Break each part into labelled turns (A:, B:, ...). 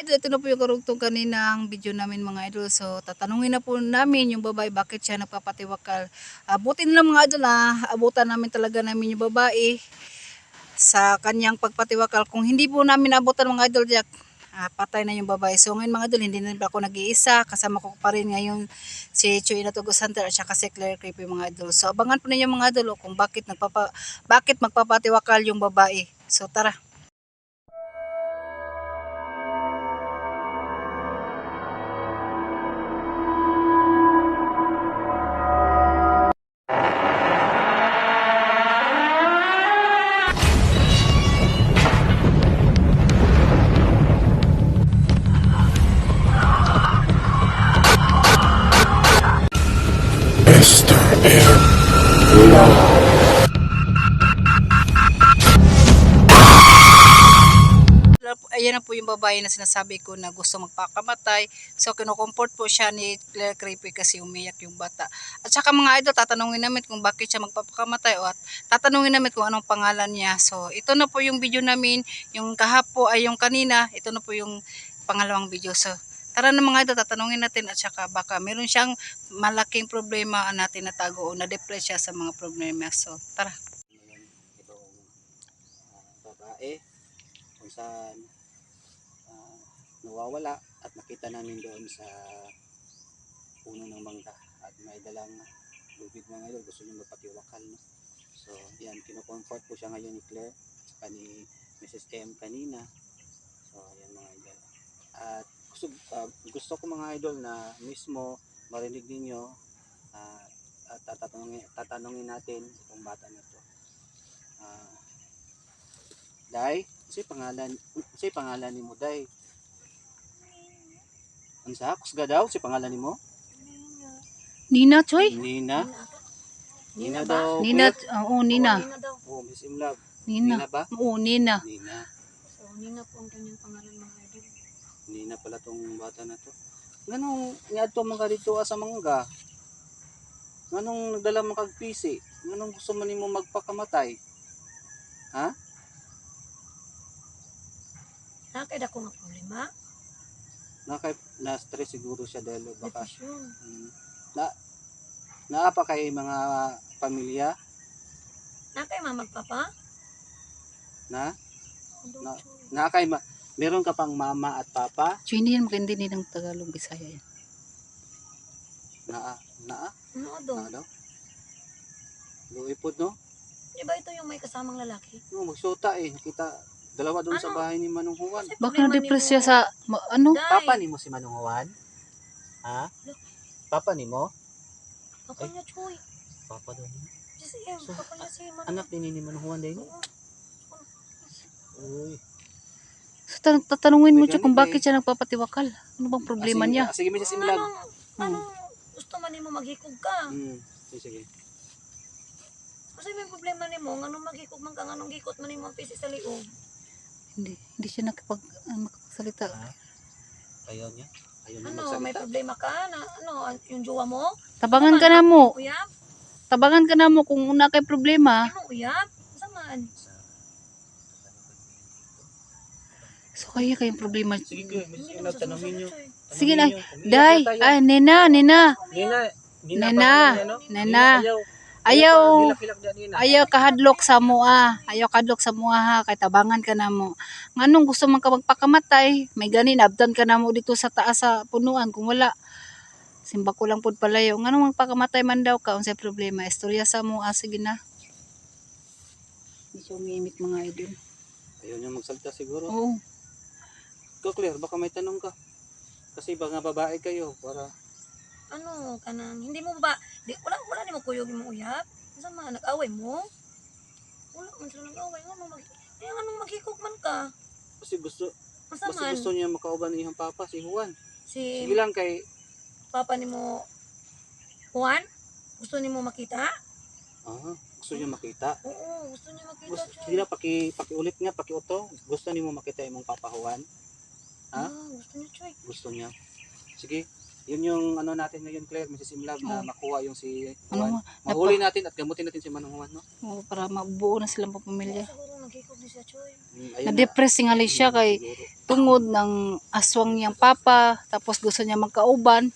A: Idol, ito na po yung karugtong kaninang video namin mga idol. So, tatanungin na po namin yung babae bakit siya nagpapatiwakal. Abutin lang mga idol abutan namin talaga namin yung babae sa kanyang pagpatiwakal. Kung hindi po namin abutan mga idol, patay na yung babae. So ngayon mga idol, hindi na ako nag-iisa. Kasama ko pa rin ngayon si Chuy Natugo Center at saka si Claire Creepy mga idol. So abangan po ninyo mga idol kung bakit magpapatiwakal yung babae. So tara.
B: Mr. Air.
A: Ayan na po yung babae na sinasabi ko na gusto magpakamatay. So kinukomfort po siya ni Claire Creepy kasi umiyak yung bata. At saka mga idol, tatanungin namin kung bakit siya magpapakamatay at tatanungin namin kung anong pangalan niya. So ito na po yung video namin, yung kahapo ay yung kanina, ito na po yung pangalawang video. So tara na mga idol, tatanungin natin at saka baka meron siyang malaking problema natin natago o na-depress siya sa mga problema. So tara.
C: Itong babae kung saan nawawala at nakita namin doon sa puno ng mangga at may dalang lubid mga idol, gusto niya magpatiwakal, no? So yan, kinocomfort po siya ngayon ni Claire at ni Mrs. M kanina. So yan mga idol, at gusto ko mga idol na mismo marinig ninyo at tatanungin natin itong bata na to. Day, si pangalan nimo Day? Unsa? Kusga daw si pangalan nimo?
A: Nina, Choy?
C: Nina. Nina daw.
A: Nina, oo, Nina.
C: Oh, Miss Imlab.
A: Nina.
C: Nina ba?
A: Oo, Nina.
C: Nina.
D: So, Nina po ang kanyang pangalan mga idol.
C: Nina pala tong bata na to. Nganong niadto man ka dito sa mangga? Nganong nagdala man kag pisi? Nganong gusto man nimo magpakamatay? Ha?
D: Nakakita ko nga problema.
C: Na-stress siguro siya dahil baka
D: Depression.
C: naapa kay mga pamilya
D: Nakay magpapa.
C: na nakay meron ka pang mama at papa
A: Choy, hindi yan magkaintindi ng Tagalog, Bisaya yan.
C: na
D: Ano do?
C: daw luipod, no?
D: Di ba ito yung may kasamang lalaki?
C: No, magsuta nakita dalawa doon sa
D: Ano?
C: bahay ni Manong Juan.
D: Kasi
A: Baka
D: problema
A: na-depress
D: nimo.
A: siya sa, ano?
D: Day,
C: Papa nimo si Manong Juan? Ha? Papa nimo?
D: Papa niya, Choy.
C: Papa daw niya.
D: Si
C: So,
D: Papa niya si Manong.
C: Anak din ni Manong Juan din.
D: Oo.
C: Uy.
A: So, tatanungin mo
C: May
A: siya
C: ganun
A: kung
C: eh.
A: bakit siya nagpapatiwakal. Ano bang problema niya?
C: Sige, Mrs. Imlag.
D: Anong gusto man nimo maghikog ka?
C: Sige.
D: Kasi may problema nimo, nganong maghikog man ka, nganong gikot man nimo ang pisi sa liog.
A: Hindi siya makapagsalita.
C: Ayaw niya
D: Ano, may
C: magsalita.
D: problema ka na yung jowa mo?
A: Tabangan ka na mo.
D: Uyab?
A: Tabangan ka na mo kung una kay problema.
D: Ano uyab? Saman.
A: So, kaya kayong problema.
C: Sige, Mrs. Imlag, tanongin niyo.
A: Sige na. Day, Nena.
C: Nina
A: Nena.
C: pa, no?
A: Nena.
C: Ayaw.
A: Ayaw. Ayaw kahadlok sa mua. Ayaw kahadlok sa mua ha. Kay tabangan ka na mo. Nganong gusto man ka magpakamatay? May ganin, abdan ka na mo dito sa taas sa punuan. Kung wala, simba ko lang pud palayo. Nganong magpakamatay man daw ka? Unsay problema? Istorya sa mua. Sige na. Hindi siya umiimik mga idol.
C: Ayaw niya magsalita siguro.
A: Oo.
C: Ikaw, Claire, baka may tanong ka. Kasi mga babae kayo, para
D: Ano kanang hindi mo ba wala nimo kuyog mo uyab? Sama nag-away mo? Wala man sila nag-away anong maghikog man ka?
C: kasi gusto
D: Masaman
C: niya makauban ni iyang papa, si Juan.
D: si
C: Sige lang kay,
D: papa nimo Juan? Gusto nimo makita?
C: gusto niya makita.
D: Oo, gusto niya makita.
C: Sige lang, pakiulit nga, pakiuto. Gusto niyo makita imong papa Juan? Ha?
D: Gusto niya, Choy.
C: Gusto niya. Sige, yun yung ano natin ngayon, Claire, Mrs. Imlab, na makuha yung si
A: Ano
C: Juan. Mahuli natin at gamutin natin si Manong Juan, no?
A: para mabuo na silang pamilya.
D: Siguro magkikog ni siya, Choy.
C: Ayun
A: Na-depress tingali siya kay
C: siguro.
A: tungod ng aswang niyang papa, tapos gusto niya magkauban.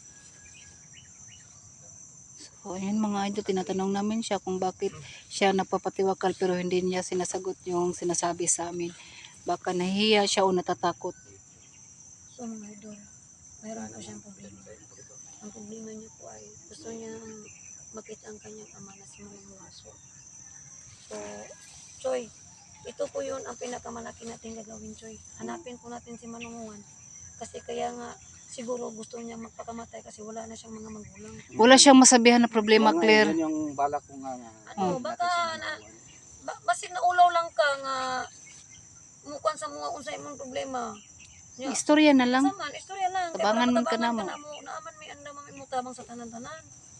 A: So, ayun mga idol, tinatanong namin siya kung bakit siya napapatiwakal pero hindi niya sinasagot yung sinasabi sa amin. Baka nahihiya siya o natatakot.
D: So mga idol, mayroon po siyang problema. Ang problema niya po ay gusto niyang makita ang kanyang ama na si Manong Waso. So, Choy, ito po yun ang pinakamalaki natin gagawin, Choy. Hanapin po natin si Manong Juan. Kasi kaya nga, siguro gusto niya magpakamatay kasi wala na siyang mga magulang.
A: Wala siyang masabihan na problema,
C: Kaya nga,
A: Claire.
C: yun yung balak ko nga na
D: Ano,
C: natin
D: baka
C: si
D: na-
C: Manong
D: Basig na ulaw lang ka nga mukuan sa mga unsay imong problema. Nya,
A: Istorya na lang.
D: saman, istorya lang. Kaya
A: Tabangan
D: para
A: man ka
D: matabangan
A: namo.
D: naaman may anda may mutabang sa tanan-tanan.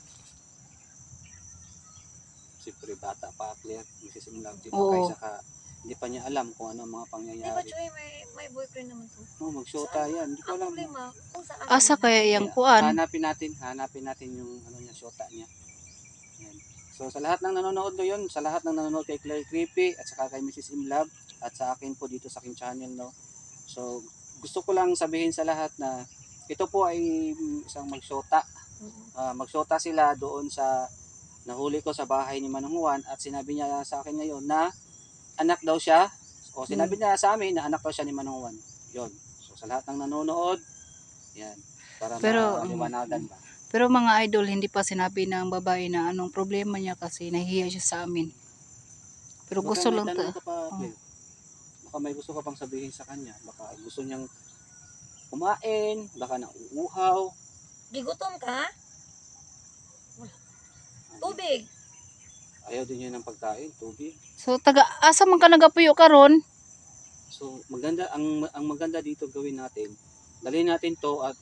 C: Siyempre bata pa, Claire, nagsisimula din
A: Oo.
C: kaysa ka, hindi pa niya alam kung ano ang mga
D: Di ba,
C: pangyayari.
D: Choy, may boyfriend naman to.
C: Magsyota yan, hindi ko
D: Ang
C: alam.
D: problema, kung saan
A: Asa
D: nila.
A: kaya yung
C: Kaya,
A: kuan?
C: hanapin natin yung ano niya, syota niya. Yan. So sa lahat ng nanonood ngayon, sa lahat ng nanonood kay Claire Creepy at saka kay Mrs. Imlab at sa akin po dito sa aking channel, no. So gusto ko lang sabihin sa lahat na ito po ay isang magsyota. Magsyota sila doon sa nahuli ko sa bahay ni Manong Juan at sinabi niya sa akin ngayon na anak daw siya o sinabi niya sa amin na anak daw siya ni Manong Juan. Yun. So sa lahat ng nanonood, yan, para
A: Pero,
C: maliwanagan ba.
A: Pero mga idol, hindi pa sinabi ng babae na anong problema niya kasi nahihiya siya sa amin. Pero
C: Baka
A: gusto
C: may
A: lang
C: tanong
A: ta.
C: ka pa, Claire. Baka may gusto ka pang sabihin sa kanya. Baka gusto niyang kumain, baka nauuhaw.
D: Gigutom ka? Wala. Tubig.
C: Ayaw din niya ng pagkain, tubig.
A: So asa man ka nagapuyo karon?
C: So maganda ang maganda dito gawin natin. Dalhin natin to at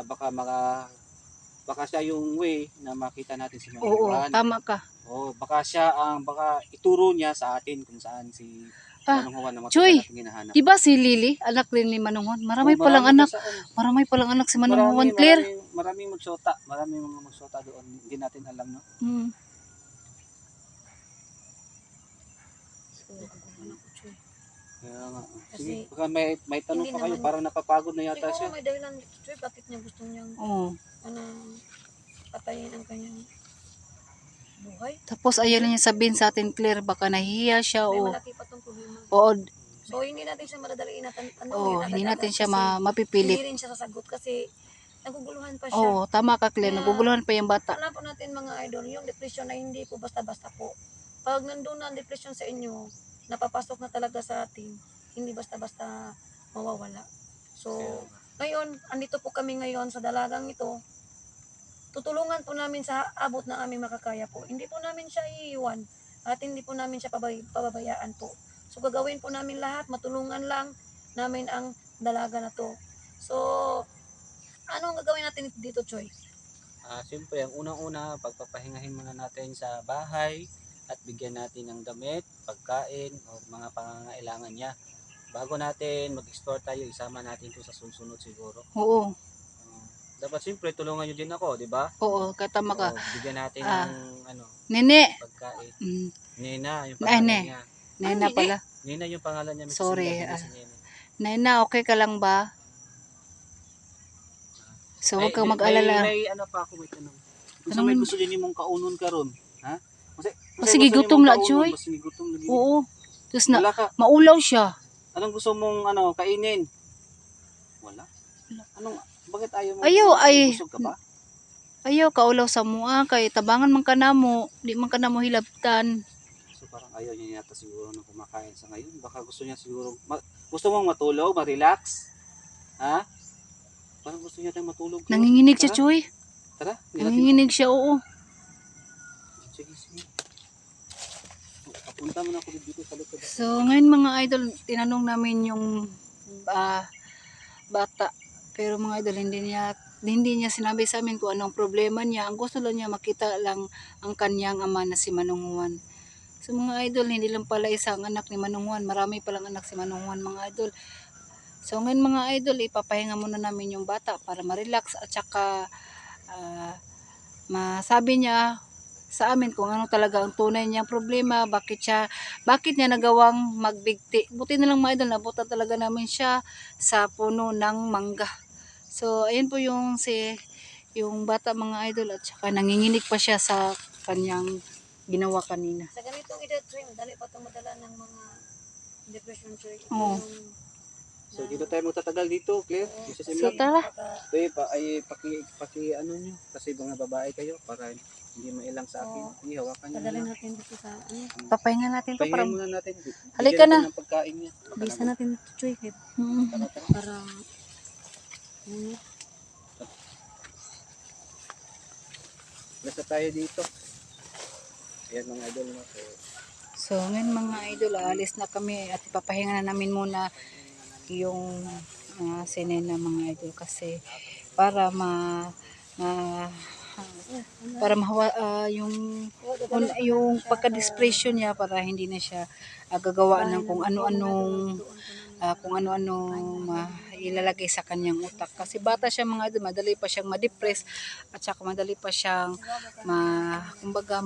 C: baka siya yung way na makita natin si Manong
A: Oo,
C: Juan.
A: tama ka.
C: Baka ituro niya sa atin kung saan si Manong Juan na
A: Choy,
C: matagal natin hinahanap.
A: Di ba si Lily, anak rin ni Manong Juan? Marami
C: Oo,
A: palang anak.
C: kasi ano,
A: Marami palang anak si Manong Juan, Claire.
C: Maraming magsyota. Maraming mga magsyota doon. Hindi natin alam, no?
A: Hmm.
D: So, ano ko, Choy.
C: Kaya nga.
D: Kasi,
C: Sige, baka may tanong
D: hindi
C: pa kayo.
D: naman-
C: Parang napapagod na yata
D: Siguro
C: siya.
D: may dahilan dito, Choy, bakit niya gusto niyang
A: Oo.
D: patayin ang kanyang buhay.
A: Tapos ayaw niya sabihin sa atin, Claire, baka nahihiya siya
D: May
A: o
D: malaki pa tong problema.
A: o
D: So, hindi natin siya madadaliin
A: hindi natin siya
D: Hindi
A: mapipilit.
D: rin siya sasagot kasi naguguluhan pa siya.
A: Oo, tama ka, Claire.
D: Kaya,
A: Naguguluhan pa yung bata.
D: Alam po natin mga idol, yung depression ay hindi po basta-basta po. Pag nandun na ang depression sa inyo, napapasok na talaga sa atin, hindi basta-basta mawawala. So, ngayon, andito po kami ngayon sa dalagang ito, tutulungan po namin sa abot na aming makakaya po. Hindi po namin siya iiwan at hindi po namin siya pababayaan po. So gagawin po namin lahat, matulungan lang namin ang dalaga na to. So, ano ang gagawin natin dito, Choy?
C: Siyempre, ang unang-una, pagpapahingahin muna natin sa bahay at bigyan natin ng damit, pagkain, o mga pangangailangan niya. Bago natin mag-explore tayo, isama natin ito sa susunod siguro.
A: Oo.
C: Dapat siyempre, tulungan niyo din ako, di ba?
A: Oo, katama ka.
C: Bigyan natin
A: Ah.
C: ng
A: Nene.
C: pagkain.
A: Mm,
C: Nena, yung
A: Ay,
C: pangalan niya.
A: Nena
D: Nene?
A: pala.
C: Nena yung pangalan niya. Mrs.
A: Sorry,
C: Imlab, hindi si Nene.
A: Nena, okay ka lang ba? So, huwag kang mag-alala.
C: May ano pa ako, may tanong. Kung
A: Tanong
C: may
A: mo.
C: gusto din yung mong kaunon karon, ha?
A: Sige, gutom na, Choy.
C: Sige, gutom lagi.
A: Oo. Tapos na,
C: Wala ka.
A: maulaw siya.
C: Anong gusto mong kainin? Wala. Bakit ayaw mo?
A: Ayaw,
C: Busog ka ba?
A: Ayaw, kaulaw sa mua, kay tabangan man ka namo, di man ka namo hilabtan.
C: So parang ayaw niya yata siguro na kumakain sa ngayon. Baka gusto niya siguro, gusto mong matulog, ma-relax? Ha? Parang gusto niya tayong matulog. Choy.
A: Nanginginig siya,
C: Tara,
A: Choy.
C: Tara.
A: Nanginginig siya, oo.
C: Sige. Papunta mo na ako dito sa likod.
A: So, ngayon mga idol, tinanong namin yung bata. Pero mga idol, hindi niya sinabi sa amin kung anong problema niya. Ang gusto lang niya, makita lang ang kanyang ama na si Manong Juan. So mga idol, hindi lang pala isang anak ni Manong Juan. Marami palang anak si Manong Juan, mga idol. So ngayon mga idol, ipapahinga muna namin yung bata para ma-relax at saka masabi niya sa amin kung ano talaga ang tunay niyang problema, bakit niya nagawang magbigti. Buti na lang mga idol, nabutan talaga namin siya sa puno ng mangga. So ayun po yung bata mga idol, at saka nanginginig pa siya sa kanyang ginawa kanina.
D: Sa ganitong edad, Choy, madali pa itong madala ng mga depression, Choy.
A: Oo.
C: So dito tayo magtatagal dito, Claire. Mrs.
A: So
C: Emily.
A: tara.
C: Ito paki ano nyo, kasi mga babae kayo para hindi mailang sa akin. Hindi, hawakan nyo
D: Padalhin
C: na.
D: natin dito sa ano.
A: Papahinga natin to para
C: Pahingan muna natin.
A: Halika
C: Bigyan
A: na.
C: natin ng pagkain niya.
D: Bisa natin ito, Choy, kahit
A: Hmm.
D: para ano.
C: Basta tayo dito. Ayan mga idol. No?
A: So ngayon mga idol, alis na kami at ipapahinga na namin muna yung sinin na mga idol, kasi para ma- para mahawa yung pagka-depression niya, para hindi na siya gagawa ng kung ano-anong ilalagay sa kanyang utak, kasi bata siya mga idol, madali pa siyang ma-depress, at saka madali pa siyang kumbaga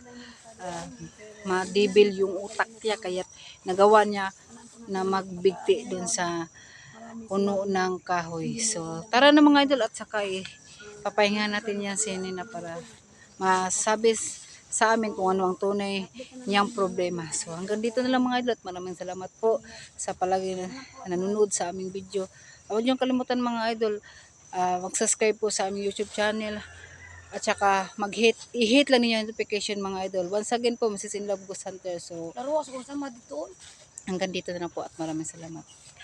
A: ma-debil yung utak niya, kaya nagawa niya na magbigti doon sa puno ng kahoy. So tara na mga idol, at saka papahinga natin yan si Nina para masabi sa amin kung ano ang tunay niyang problema. So hanggang dito na lang mga idol, at maraming salamat po sa palagi na nanonood sa aming video. Huwag niyong kalimutan mga idol, mag-subscribe po sa aming YouTube channel, at saka i-hit lang niyo yung notification mga idol. Once again po, Mrs. In Love Ghost Hunter. So
D: Laro ako sa sama dito.
A: hanggang dito na lang po, at maraming salamat.